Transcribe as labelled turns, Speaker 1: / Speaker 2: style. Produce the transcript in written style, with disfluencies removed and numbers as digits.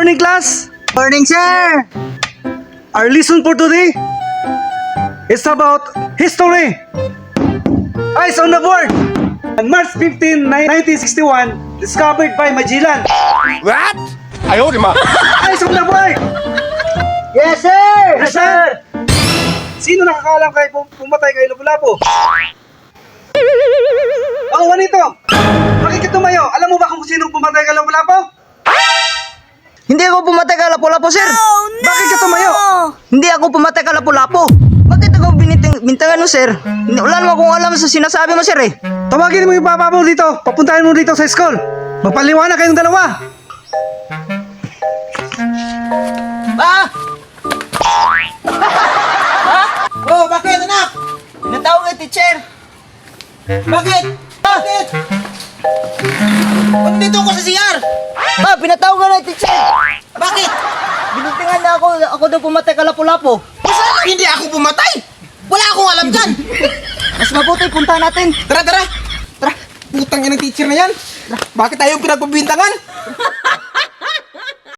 Speaker 1: morning, class.
Speaker 2: Morning, sir!
Speaker 1: Our lesson for today is about history. Eyes on the board. On March 15, 1961, discovered by Magellan.
Speaker 3: What? Ayaw, di ma.
Speaker 1: Eyes on the board.
Speaker 2: Yes, sir!
Speaker 1: Yes, sir. Sino nakakaalam kay pumatay kay Lapu-Lapu? Oh, Juanito. Bakit ka tumayo? Alam mo ba kung sino pumatay kay Lapu-Lapu?
Speaker 2: Hindi ako pumatay ka lapu-lapu, sir!
Speaker 1: Bakit ka tumayo?
Speaker 2: Hindi ako pumatay ka lapu-lapu! Bakit ako bintangan mo, sir? Wala naman akong alam sa sinasabi mo, sir, eh!
Speaker 1: Tawagin mo yung papa mo dito. Papuntahin mo dito sa school. Magpaliwanag kayong dalawa.
Speaker 2: Pa! Oh, bakit, anak? Natawag ang teacher! Bakit? Bakit? Nandito ako sa CR! Pa, pinatawag ka ng teacher! Bakit? Binuntingan na ako daw pumatay ka lapu-lapu.
Speaker 4: Saan hindi ako pumatay? Wala akong alam dyan.
Speaker 2: Mas mabuti, punta natin.
Speaker 4: Tara, tara. Tara, putang ina ng teacher na yan. Bakit tayo pinagpabintangan?